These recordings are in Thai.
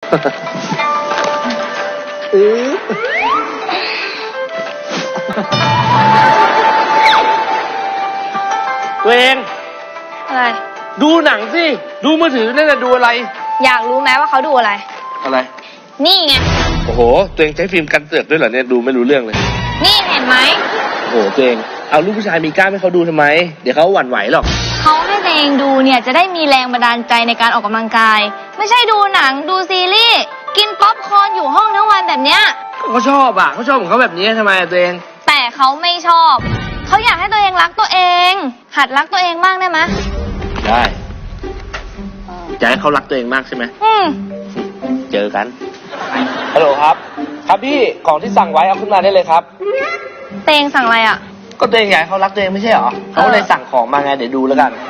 ตัวเองอะไรดูหนังสิดูมือถือนั่นน่ะดูอะไรอยากรู้ไหมว่าเขาดูอะไรนี่ไงโอ้โหตัวเองใช้ฟิล์มกันเสือกด้วยเหรอเนี่ยดูไม่รู้เรื่องเลยนี่เห็นไหมโอ้โหตัวเองเอาลูกผู้ชายมีกล้ามให้เขาดูทำไมเดี๋ยวเขาหวั่นไหวหรอกเขาให้ตัวเองดูเนี่ยจะได้มีแรงบันดาลใจในการออกกำลังกายไม่ใช่ดูหนังดูซีรีส์กินป๊อปคอร์นอยู่ห้องทั้งวันแบบเนี้ยเขาชอบเขาชอบของเขาแบบนี้ทำไมตัวเองแต่เขาไม่ชอบเขาอยากให้ตัวเองรักตัวเองหัดรักตัวเองบ้างได้ไหมได้อยากให้เขารักตัวเองมากใช่ไหมเจอกันฮัลโหลครับครับพี่ของที่สั่งไว้เอาขึ้นมาได้เลยครับตัวเองสั่งอะไรอ่ะก็ตัวเองอยากให้เขารักตัวเองไม่ใช่หรอเขาเลยสั่งของมาไงเดี๋ยวดูแล้วกัน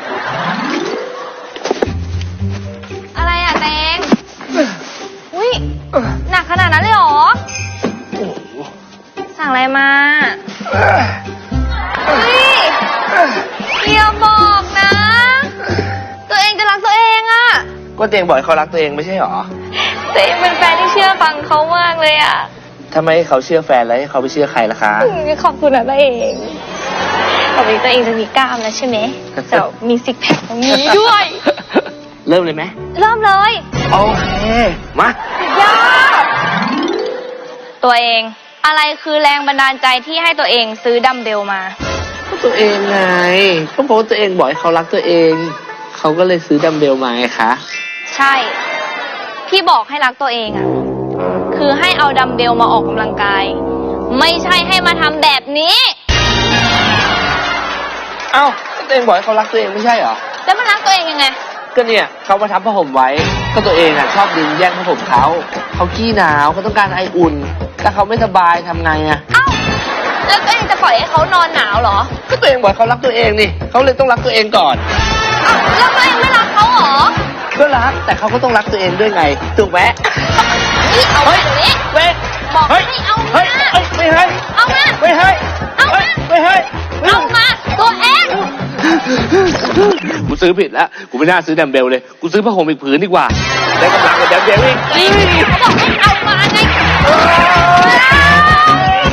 อะไรอ่ะตัวเองอุ้ยหนักขนาดนั้นเลยเหรอสั่งอะไรมาอย่าบอกนะตัวเองจะรักตัวเองอ่ะก็ตัวเองบอกให้เขารักตัวเองไม่ใช่หรอตัวเองเป็นแฟนที่เชื่อฟังเขามากเลยอ่ะทำไมเขาเชื่อแฟนแล้วให้เขาไปเชื่อใครล่ะคะขอบคุณนะตัวเองต่อไปตัวเองจะมีกล้ามแล้วใช่ไหมจะมีซิกแพคตรงนี้ด้วยเริ่มเลยไหมเริ่มเลยโอเคมาย่าตัวเองอะไรคือแรงบันดาลใจที่ให้ตัวเองซื้อดัมเบลมาก็ตัวเองไงก็เพราะตัวเองบอกให้เขารักตัวเองเขาก็เลยซื้อดัมเบลมาไงคะใช่ที่บอกให้รักตัวเองอ่ะคือให้เอาดัมเบลมาออกกำลังกายไม่ใช่ให้มาทำแบบนี้เอ้าตัวเองบอกให้เขารักตัวเองไม่ใช่เหรอแล้วมันรักตัวเองยังไงก็เนี่ยเขามาทับผ้าห่มไว้ก็ตัวเองชอบดึงแย่งผ้าห่มเขาขี้หนาวเขาต้องการไออุ่นถ้าเขาไม่สบายทำไงอ่ะเอ้าแล้วตัวเองจะปล่อยให้เขานอนหนาวเหรอก็ตัวเองบอกเขารักตัวเองนี่เขาเลยต้องรักตัวเองก่อนแล้วตัวเองไม่รักเขาเหรอก็รักแต่เขาก็ต้องรักตัวเองด้วยไงถูกไหมนี่เอาไปตรงนี้บอกให้เอามาไม่ให้เอามาไม่ให้เอามาไม่ให้เอามาตัวเองกูซื้อผิดแล้วกูไม่น่าซื้อดัมเบลเลยกูซื้อผ้าห่มอีกผืนดีกว่าได้กำลังกับดัมเบลอีกเขาบอกให้เอามาไง